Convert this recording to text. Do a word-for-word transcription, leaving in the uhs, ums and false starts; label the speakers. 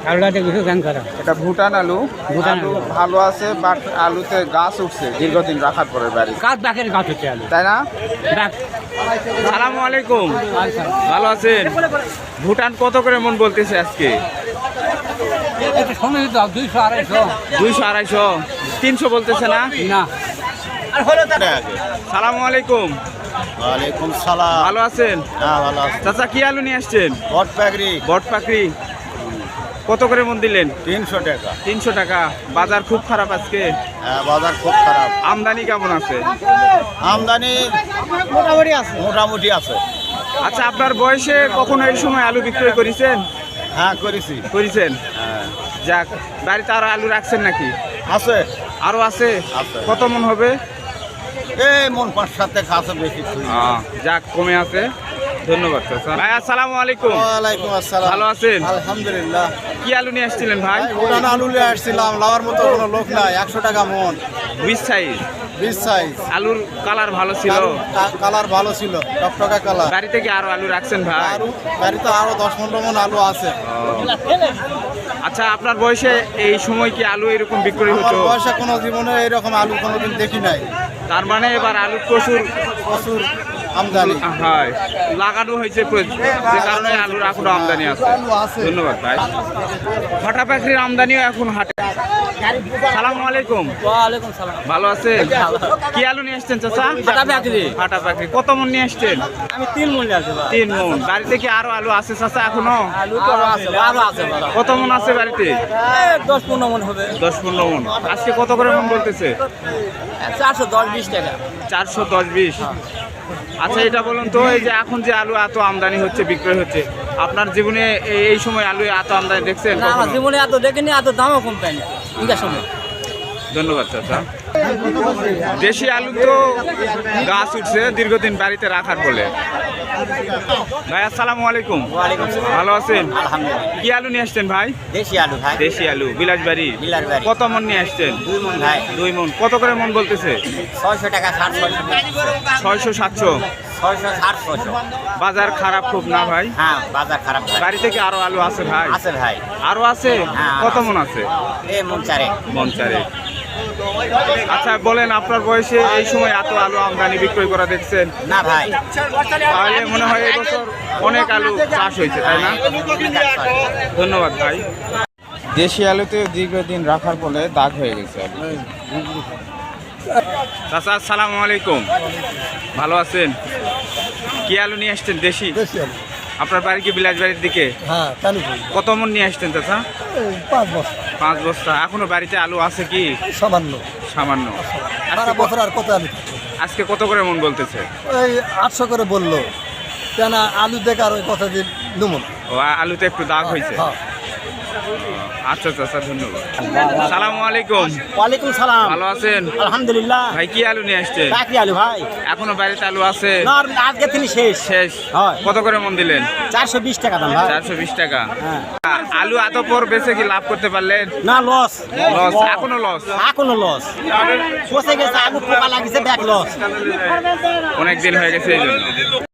Speaker 1: আলুটাতে কিছু গান করা
Speaker 2: এটা ভুটান আলু।
Speaker 1: ভুটান
Speaker 2: আলু
Speaker 1: আলু।
Speaker 2: ভালো আছে, বাট আলুতে গাছ উঠছে দীর্ঘদিন রাখার পরে বাড়ি,
Speaker 1: গাছ বাকের গাছ হচ্ছে আলু
Speaker 2: তাই না?
Speaker 1: বাক
Speaker 2: সালামু আলাইকুম, ভালো আছেন? ভুটান কত করে মন বলতেছে আজকে?
Speaker 1: একটু সময় দিতে হবে দুইশো আড়াইশো
Speaker 2: দুইশো আড়াইশো তিনশো বলতেছে না?
Speaker 1: না
Speaker 2: সালামু আলাইকুম।
Speaker 3: ওয়ালাইকুম সালাম।
Speaker 2: ভালো আছেন?
Speaker 3: হ্যাঁ ভালো আছি।
Speaker 2: চাচা কি আলু নিয়ে আসছেন?
Speaker 3: বট পাগড়ি
Speaker 2: বট পাকড়ি কত করে মন দিলেন?
Speaker 3: তিনশো টাকা।
Speaker 2: তিনশো টাকা। বাজার খুব খারাপ আজকে,
Speaker 3: হ্যাঁ বাজার খুব খারাপ।
Speaker 2: আমদানি কেমন আছে?
Speaker 3: আমদানি মোটামুটি আছে, মোটামুটি আছে।
Speaker 2: আচ্ছা, আপনার বয়সে কখনো এই সময় আলু বিক্রয় করেছেন?
Speaker 3: হ্যাঁ করেছি।
Speaker 2: করেছেন।
Speaker 3: হ্যাঁ
Speaker 2: যাক, বাড়িতে আরো আলু রাখছেন নাকি?
Speaker 3: আছে,
Speaker 2: আরো আছে?
Speaker 3: আছে।
Speaker 2: কত মন হবে?
Speaker 3: এই মন পাঁচ সাত টাকা আছে, বেশি থুই না।
Speaker 2: আহ, যাক, কমে আছে। ধন্যবাদ চাচা। ভাই আসসালামু আলাইকুম।
Speaker 3: ওয়ালাইকুম আসসালাম।
Speaker 2: ভালো আছেন?
Speaker 3: আলহামদুলিল্লাহ।
Speaker 2: কি আলু নিয়ে আসছিলেন ভাই?
Speaker 3: পুরান আলু নিয়ে আসছিলাম, লাওয়ার মতো কোনো লোক নাই। একশো টাকা মন,
Speaker 2: বিশ সাইজ।
Speaker 3: বিশ সাইজ।
Speaker 2: আলুর কালার ভালো ছিল,
Speaker 3: কালার ভালো ছিল, টকটকা কালার।
Speaker 2: বাড়িতে কি আরো আলু রাখছেন ভাই?
Speaker 3: আরো বাড়িতে আরো দশ পনেরো মন আলু আছে।
Speaker 2: আচ্ছা, আপনার বয়সে এই সময় কি আলু এরকম বিক্রি
Speaker 3: আমার
Speaker 2: হতো?
Speaker 3: বয়সে কোনো জীবনে এরকম আলু কোনোদিন দেখি নাই।
Speaker 2: তার মানে এবার আলু প্রচুর
Speaker 3: প্রচুর আমদানি।
Speaker 2: হয়, লাগানো হয়েছে প্রচুর, যে কারণে আলুর এখনো আমদানি আছে।
Speaker 3: আলু আছে।
Speaker 2: ধন্যবাদ ভাই। ফাটা পাখির আমদানিও এখন হাটে। সালামু আলাইকুম।
Speaker 1: ওয়ালাইকুম সালাম
Speaker 2: ভালো আছেন? কি আলু নিয়ে আসছেন চাচা?
Speaker 1: ফাটা পাকড়ি।
Speaker 2: ফাটা পাখি কত মন নিয়ে আসছেন?
Speaker 1: আমি তিন মূল্য আছে
Speaker 2: তিন মন। বাড়িতে কি আরো আলু আছে চাচা এখনো?
Speaker 1: আলু তো আছে আরো আছে
Speaker 2: কত মন আছে বাড়িতে?
Speaker 1: দশ পনেরো মন হবে
Speaker 2: দশ পনেরো মন। আজকে কত করে মন বলতেছে?
Speaker 1: চারশো দশ বিশ টাকা
Speaker 2: চারশো দশ বিশ। আচ্ছা, এটা বলুন তো, এই যে এখন যে আলু এত আমদানি হচ্ছে, বিক্রয় হচ্ছে, আপনার জীবনে এই- এই সময় আলু এত আমদানি দেখছেন
Speaker 1: না আমার
Speaker 2: কখনো?
Speaker 1: জীবনে এত দেখিনি, এত দামও কম পাইনি ইনকার সময়।
Speaker 2: ধন্যবাদ চাচা। দেশি আলু তো গাছ উঠছে দীর্ঘদিন বাড়িতে রাখার বলে। ভাই আসসালামু আলাইকুম।
Speaker 4: ওয়ালাইকুম আসসালাম।
Speaker 2: ভালো আছেন?
Speaker 4: আলহামদুলিল্লাহ।
Speaker 2: কি আলু নিয়ে আসছেন ভাই?
Speaker 4: দেশি আলু ভাই,
Speaker 2: দেশি আলু, বিলাসবাড়ি।
Speaker 4: বিলাসবাড়ি।
Speaker 2: কত মন নিয়ে আসছেন?
Speaker 4: দুই মন ভাই,
Speaker 2: দুই মন। কত করে মন বলতেছে?
Speaker 4: ছয়শো টাকা ষাট ছয়শো
Speaker 2: ছয়শো সাতশো।
Speaker 4: ছয়শো ষাট ছয়শো।
Speaker 2: বাজার খারাপ খুব না ভাই?
Speaker 4: হ্যাঁ বাজার খারাপ ভাই।
Speaker 2: বাড়ি থেকে আরো আলু আছে ভাই?
Speaker 4: আছে ভাই,
Speaker 2: আরো আছে?
Speaker 4: হ্যাঁ, আরো
Speaker 2: কত
Speaker 4: আছে।
Speaker 2: মন আছে?
Speaker 4: এ মন চারে।
Speaker 2: মন চারে। আচ্ছা বলেন, আপনার বয়সে এই সময় এত আলু আমদানি বিক্রয় করা দেখছেন?
Speaker 4: না ভাই,
Speaker 2: তাহলে মনে হয় এবছর অনেক আলু চাষ হয়েছে, তাই না? ধন্যবাদ ভাই। দেশি আলুতে দীর্ঘদিন রাখার ফলে দাগ হয়ে গেছে। চাচা আসসালামু আলাইকুম। ভালো আছেন? কি আলু নিয়ে আসছেন? দেশি। আপনার বাড়ি কি বিলাসবাড়ির দিকে?
Speaker 3: হ্যাঁ কালীপুর।
Speaker 2: কত মন নিয়ে আসছেন চাচা?
Speaker 3: পাঁচ বছর
Speaker 2: পাঁচ বস্তা। এখনো বাড়িতে আলু আছে কি?
Speaker 3: সামান্য।
Speaker 2: সামান্য।
Speaker 3: সারা
Speaker 2: আজকে
Speaker 3: বছর
Speaker 2: ক-
Speaker 3: আর কত আলু থাকে?
Speaker 2: আজকে কত করে মন বলতেছে?
Speaker 3: ওই আটশো করে বললো, কেন আলু দেখে আর ওই কথা দিয়ে দুমন।
Speaker 2: ও, আলুতে একটু দাগ হয়েছে।
Speaker 3: হ্যাঁ।
Speaker 2: আচ্ছা চাচা, ধন্যবাদ। সালামু আলাইকুম।
Speaker 4: ওয়ালাইকুম সালাম।
Speaker 2: ভালো আছেন?
Speaker 4: আলহামদুলিল্লাহ।
Speaker 2: ভাই কি আলু নিয়ে আসছেন?
Speaker 4: চাকরি আলু ভাই,
Speaker 2: এখনো বাড়িতে আলু আছে?
Speaker 4: না আজকে তিনি শেষ।
Speaker 2: শেষ।
Speaker 4: হয়।
Speaker 2: কত করে মন দিলেন?
Speaker 4: চারশো বিশ টাকা দাম ভাই।
Speaker 2: চারশো বিশ টাকা।
Speaker 4: হ্যাঁ।
Speaker 2: আ- আলু এত পর বেচে কি লাভ করতে পারলেন?
Speaker 4: না লস,
Speaker 2: লস, এখনো লস।
Speaker 4: এখনো লস। পচে গেছে আলু, পোকা লাগিছে, ব্যাক লস।
Speaker 2: অনেক দিন হয়ে গেছে এই জন্য।